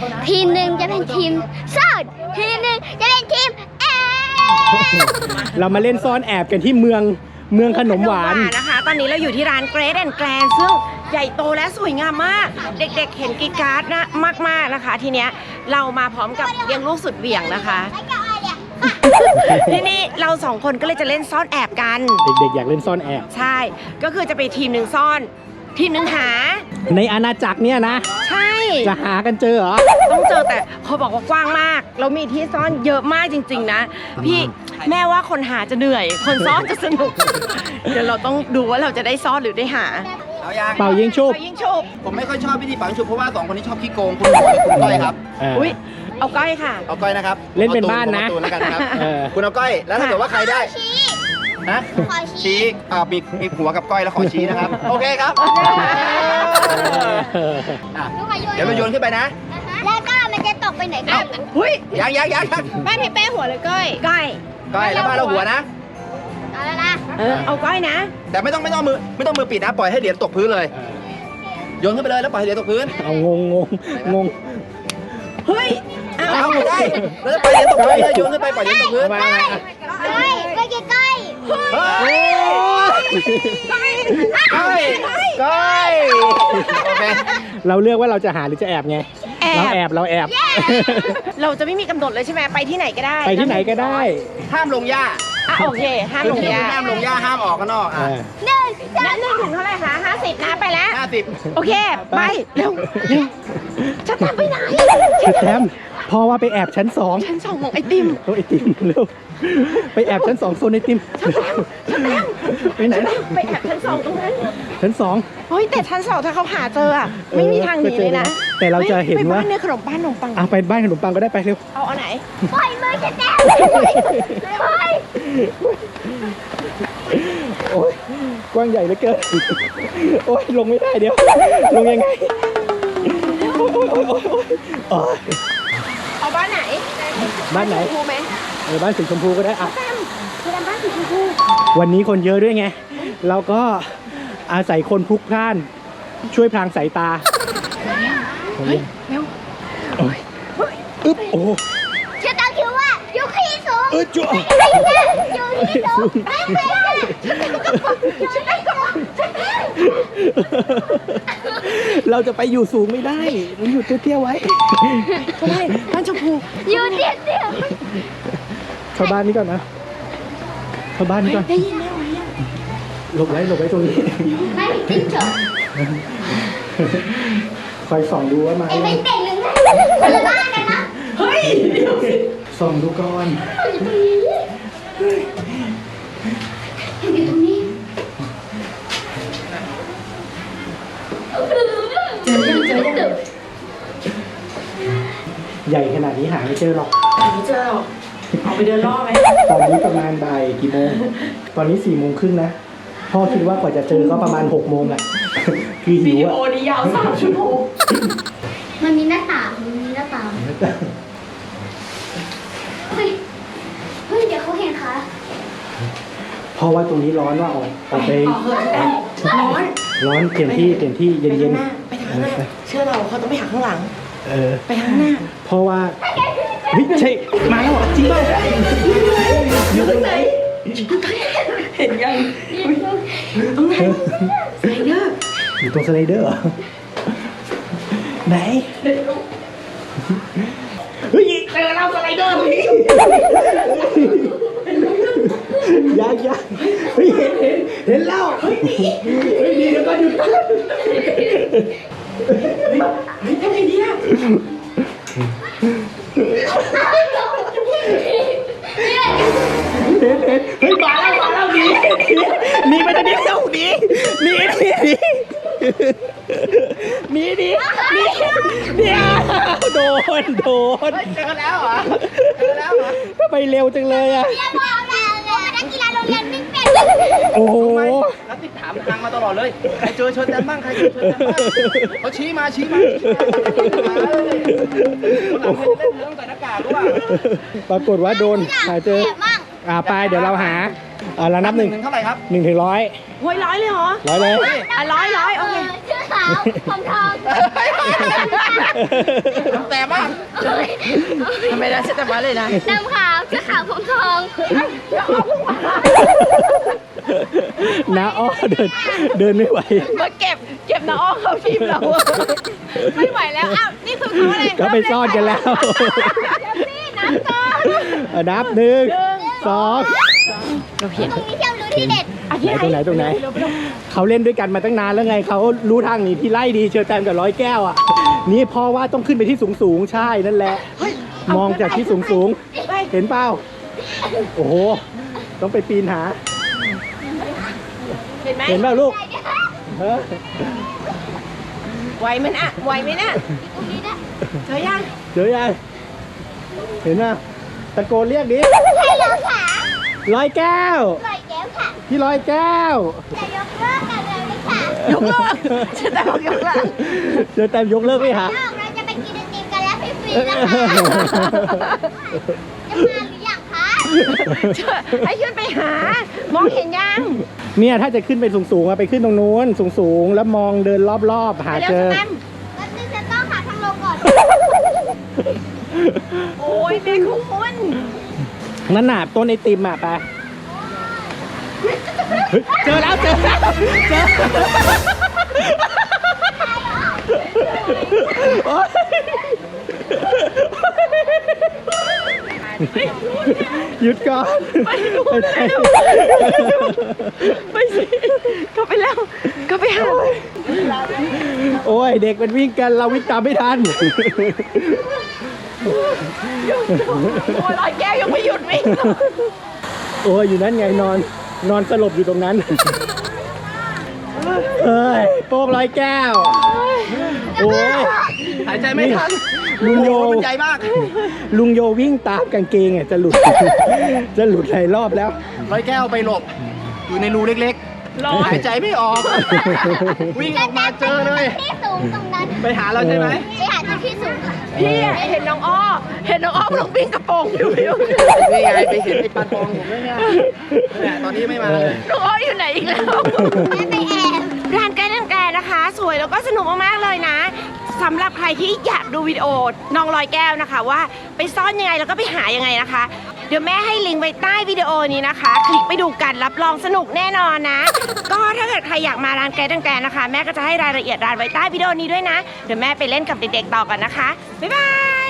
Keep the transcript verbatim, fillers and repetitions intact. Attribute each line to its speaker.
Speaker 1: ทีมหนึ่งจะเป็นทีมซ่อนทีมหนึ่งจะเป็นทีมแอบ
Speaker 2: เรามาเล่นซ่อนแอบกันที่เมืองเมืองขนมหวาน
Speaker 3: นะคะตอนนี้เราอยู่ที่ร้าน Great and Grand ซึ่งใหญ่โตและสวยงามมากเด็กๆเห็นกีการ์ดนะมากๆนะคะทีเนี้ยเรามาพร้อมกับเลี้ยงลูกสุดเหวี่ยงนะคะที่นี่เราสองคนก็เลยจะเล่นซ่อนแอบกัน
Speaker 2: เด็กๆอยากเล่นซ่อนแอบ
Speaker 3: ใช่ก็คือจะไปทีมหนึ่งซ่อนทีมหนึ่งหา
Speaker 2: ในอาณาจักรเนี่ยนะ
Speaker 3: ใช่
Speaker 2: จะหากันเจอเหรอ
Speaker 3: ต้องเจอแต่เขาบอกว่ากว้างมากเรามีที่ซ่อนเยอะมากจริงๆนะพี่แม่ว่าคนหาจะเหนื่อยคนซ่อนจะสนุกเดี๋ยวเราต้องดูว่าเราจะได้ซ่อนหรือได้หา
Speaker 4: เอายาง
Speaker 2: เป่ายิงชุบ
Speaker 3: เป่ายิงชุบ
Speaker 4: ผมไม่ค่อยชอบพิธีเป่ายิงชุบเพราะว่าสองคนนี้ชอบขี้โกงคุณหมอคุณก้อยครับ
Speaker 3: อุ้ยเอาก้อยค่ะ
Speaker 4: เอาก้อยนะครับ
Speaker 2: เล่นเป็นบ้านนะ
Speaker 4: คุณเอาก้อยแล้วถ้าเกิดว่าใครได้นะชี้อ่ามีมีหัวกับก้อยแล้วขอชี้นะครับโอเคครับเดี๋ยวเราโยนขึ้นไปนะ
Speaker 1: แล้วก็มันจะตกไปไหนกัน
Speaker 3: หุ้ย
Speaker 4: ยังยังยัง
Speaker 3: บ้านให้แป้หัวเลยก้อยก้อย
Speaker 4: ก้อยแล้วบ้านเราหัวนะ
Speaker 1: เอาแล้วนะ
Speaker 3: เออเอาก้อยนะ
Speaker 4: แต่ไม่ต้องไม่ต้องมือไม่ต้องมือปิดนะปล่อยให้เหรียญตกพื้นเลยโยนขึ้นไปเลยแล้วปล่อยให้เหรียญตกพื้น
Speaker 2: เอางงงงงง
Speaker 3: เฮ้ย
Speaker 4: เอาไม่ได้แล้วปล่อยเหรียญตกพื้นเลยโยนขึ้นไปปล่อยเหรียญตกพื้น
Speaker 1: ก้อยก้อยก้อยก้อย
Speaker 4: ก้อยก้อยโอเค
Speaker 2: เราเลือกว่าเราจะหาหรือจะแอบไงเราแอบเราแอบ
Speaker 3: เราจะไม่มีกำหนดเลยใช่ไหมไปที่ไหนก็ได้
Speaker 2: ไปที่ไหนก็ได้
Speaker 4: ห้ามลงหญ้า
Speaker 3: อ่ะโอเคห้ามลงหญ้า
Speaker 4: ห้ามลงหญ้าห้ามออกข้างนอกอ่ะ
Speaker 1: หนึ่ง
Speaker 3: หนึ่งถึงเท่าไหร่คะห้าสิบนะไปแล้ว
Speaker 4: ห้าสิบ
Speaker 3: โอเคไปเร็วจะตามไปไหน
Speaker 2: จะแต้มพอว่าไปแอบชั้นสอง
Speaker 3: ชั้นสองของไอติม
Speaker 2: โอ้ไอติมเร็วไปแอบชั้นสองโซนไอติมไปไหน
Speaker 3: ไปแอบชั้นสองตรงนั้น
Speaker 2: ชั้นสอง
Speaker 3: เฮ้ยแต่ชั้นสองถ้าเขาหาเจออ่ะไม่มีทางหนีเลยนะ
Speaker 2: แต่เราจะเห็นว่า
Speaker 3: ไปบ้านเนี่ยขนมปังขนมปัง
Speaker 2: อ่ะไปบ้านขนมปังก็ได้ไปเร็ว
Speaker 3: เอาเอาไหน
Speaker 1: ปล่อยมือจะแต้มเฮ้ย
Speaker 2: โอ้ยกว้างใหญ่เหลือเกินโอ้ยลงไม่ได้เดี๋ยวลงยังไงโอ้ยโอ้ยโอ้ยโอ้ยโอ้ย
Speaker 3: เอาบ้านไหน
Speaker 2: บ้านไหน
Speaker 3: ชมพูไหม
Speaker 2: เออบ้านสีชมพูก็ได้อ่ะ
Speaker 3: คือบ้านสีชมพู
Speaker 2: วันนี้คนเยอะด้วยไงเราก็อาศัยคนพลุกพล่านช่วยพรางสายตา
Speaker 3: เฮ้ยเร็ว
Speaker 2: โอ้ยอึ๊บโอ้
Speaker 1: ฉันต้องคิดว่าอยู่ที่สูง
Speaker 2: เออจุ๊บ
Speaker 1: อยู่ที่สูงไม่ไม่
Speaker 2: เราจะไปอยู่สูงไม่ได้มันอยู่เตี้ยๆไว้
Speaker 3: ทำไมบ้านชมพู
Speaker 1: อยู่เตี้ย
Speaker 2: ๆเข้าบ้านนี้ก่อนนะเข้าบ้านนี้ก่อน
Speaker 3: ได้ยินไหม
Speaker 2: หลบไว้หลบไว้ตรงนี้
Speaker 1: ไม่จริงเถอะ
Speaker 2: คอยส่องดูว่ามา
Speaker 1: เอ็งไม่เต่งหรือไงคนละบ้านกันนะ
Speaker 3: เฮ้ยเดี๋ยวสิ
Speaker 2: ส่องดูก่อน
Speaker 1: อยู่ตรงนี้เจอยังเจอยัง
Speaker 2: ใหญ่ขนาดนี้หาไม่เจอหรอก
Speaker 3: ไม่เจอหรอกเอาไปเดินรอบไหม
Speaker 2: ตอนนี้ประมาณบ่ายกี่โมงตอนนี้สี่โมงครึ่งนะพ่อคิดว่ากว่าจะเจอก็ประมาณหกโมงอ่ะคือหิวอ่ะ
Speaker 3: วิดีโอนี้ยาวสามชั่วโมง
Speaker 1: มันมีหน้าต่างมันมีหน้าต่างเฮ้ยเฮ้ยเดี๋ยวเขาเห็นค่ะ
Speaker 2: เพราะว่าตรงนี้ร้อนว่าออกออกไป
Speaker 3: ร้อน
Speaker 2: ร้อนเปลี่ยนที่เปลี่ยนที่เย็นเย็น
Speaker 3: ไปทางหน้าเชื่อเราเขาต้องไปหาข้างหลัง
Speaker 2: เออ
Speaker 3: ไปทางหน้า
Speaker 2: เพราะว่าเฮ้ยใช่มาแล้วจริงป่ะ
Speaker 3: อยู่ตรงไหนเห็นยังตรงไหนสไลเดอร์
Speaker 2: อยู่ตรงสไลเดอร์เหรอไหนเฮ้ย
Speaker 3: เจอเราสไลเดอร์พี่
Speaker 2: ยากยากเฮ้ยเห็นเห็นเห็นแล้วเฮ้ยดีเฮ้ยดีแล้วก็หยุด
Speaker 3: เฮ้ยทำไงดีอ่ะ
Speaker 2: เห็นเห็นเฮ้ยมาแล้วมาแล้วหนีหนีไปตอนนี้เร็วหนีหนีหนีหนีหนีหนีหนีเดี๋ยวโดนโดน
Speaker 4: เจอแล้วเหรอเจอแล้วเหรอ
Speaker 2: ทำไมเร็วจังเลยอ่ะ
Speaker 1: นักกีฬาโรงเรียนวิ่งเป็น
Speaker 2: โอ้โห
Speaker 4: แล้วติดถามทางมาตลอดเลยใครเจอเชิญแดนบ้างใครเจอเชิญแดนบ้างเขาชี้มาชี้มาคนหลังเล่นเรื่องใส่หน้ากากด้วย
Speaker 2: ปรากฏว่าโดนหาเจออ่าไปเดี๋ยวเราหาอ่าเรานับหนึ่ง
Speaker 4: ถึงเท่าไหร่ครับ
Speaker 2: หนึ่งถึงร้อย
Speaker 3: โอ้ยร้อยเลยเหรอ
Speaker 2: ร้อยเลย
Speaker 3: อ่ะร้อยร้อยโอเค
Speaker 1: ชื่อขาวผมทอง
Speaker 4: แต่มาก
Speaker 3: ทำไมได้เสร็จแต่ว่าเลยนะ
Speaker 1: ดำขาวชื่อขาวผมทอง
Speaker 2: น้าอ้อเดินเดินไม่ไหว
Speaker 3: มาเก็บเก็บน้าอ้อมเข้าทีมเราอะไม่ไหวแล้วอ้าวนี่คือเขาอะไร
Speaker 2: ก็ไปซ่อนกันแล้ว
Speaker 1: นี่น้ำก่อน
Speaker 2: อ่ะนับหนึ่งสอง
Speaker 3: เราเห็น
Speaker 1: ตรงนี้เที่ยวรู้ที่เด็ด
Speaker 2: ไหนตรงไหนตรงไหนเขาเล่นด้วยกันมาตั้งนานแล้วไงเขารู้ทางหนีที่ไล่ดีเชอแตมกับร้อยแก้วอ่ะนี่พ่อว่าต้องขึ้นไปที่สูงสูงๆใช่นั่นแหละ มองจากที่สูงสูงๆเห็นเปล่าโอ้โหต้องไปปีนหา
Speaker 3: เห็นไหม
Speaker 2: เห็นเปล่าลูกเออ
Speaker 3: ไหวไหมน่ะไหวไหมน่ะ
Speaker 1: ตรงนี้นะ
Speaker 3: เจอยัง
Speaker 2: เจอยังเห็นไหมตะโกนเรียกดิ
Speaker 1: ให้เราขา
Speaker 2: ร้อยแก้ว
Speaker 1: ปล่อยแก้วค่ะ
Speaker 2: พี่ร้อยแก้ว
Speaker 1: จะยกเลิกกันเลยค่ะ
Speaker 3: ยกเลิกจะแต่บอกยกเลิก
Speaker 2: เจอแตมยกเลิกไหมฮะ
Speaker 1: นอกเราจะไปกินไอติมกันแล้วฟรีๆนะคะจะมาหรือยังคะ
Speaker 3: ให้ขึ้นไปหามองเห็นยัง
Speaker 2: เนี่ยถ้าจะขึ้นไปสูงๆอะไปขึ้นตรงนู้นสูงๆแล้วมองเดินรอบๆหา
Speaker 3: เร็ว
Speaker 2: เจอ
Speaker 3: สแตม
Speaker 1: แล้วนึงจะต้องหาทางลงก่อน
Speaker 3: โอ้ยแม่คุณ
Speaker 2: นั่นน่ะต้นไอติมอ่ะไปเฮ้ยเจอแล้วเจอแล้วเจอโอ๊ยหยุดก่อน
Speaker 3: ไปดู
Speaker 2: ไปไหน
Speaker 3: ไปสิเขาไปแล้วเขาไปหา
Speaker 2: โอ้ยเด็กมันวิ่งกันเราวิ่งตามไม่ทัน
Speaker 3: โอ้ยร้อยแก้วยังไม่หยุดวิ่ง
Speaker 2: โอ้ยอยู่นั่นไงนอนนอนสลบอยู่ตรงนั้นเอ้ยโป๊กร้อยแก้วโอ้ย
Speaker 4: หายใจไม่ทัน
Speaker 2: ลุงโย
Speaker 4: โอ้โหมันใหญ่มาก
Speaker 2: ลุงโยวิ่งตามกางเกงอ่ะจะหลุด จะหลุดหลายรอบแล้ว
Speaker 4: ร้อยแก้วไปหลบ อยู่ในรูเล็ก
Speaker 3: ร้อ
Speaker 4: ๆ
Speaker 3: ย
Speaker 4: หายใจไม่ออก วิ่งออกมาเจอเลย
Speaker 1: ที่สูงตรงนั้น
Speaker 4: ไปหาเราใช่ไหม
Speaker 1: ไปหาจุดที่สูงค่ะ
Speaker 3: พี่อะเห็นน้องอ้อเห็นน้องอ้อลงวิ่งกระโปรงอยู่อยู่
Speaker 4: นี่ไงไปเห็นไอ้ปันปองผมด้วยเนี่ยเนี่ยตอนนี้ไม่มาเลย
Speaker 3: น้องอ้ออยู่ไหนอีกแล้ว
Speaker 1: แม่ไปแอบ
Speaker 3: ร้านใกล้ร้านแกนะคะ สวยแล้วก็สนุกมากๆเลยนะสำหรับใครที่อยากดูวิดีโอน้องลอยแก้วนะคะ ว่าไปซ่อนยังไงแล้วก็ไปหายังไงนะคะ เดี๋ยวแม่ให้ลิงก์ไว้ใต้วิดีโอนี้นะคะ คลิกไปดูกันรับรองสนุกแน่นอนนะ ก็ถ้าเกิดใครอยากมาร้านแกดังแกนะคะ แม่ก็จะให้รายละเอียดร้านไว้ใต้วิดีโอนี้ด้วยนะ เดี๋ยวแม่ไปเล่นกับเด็กๆต่อกันนะคะบ๊ายบาย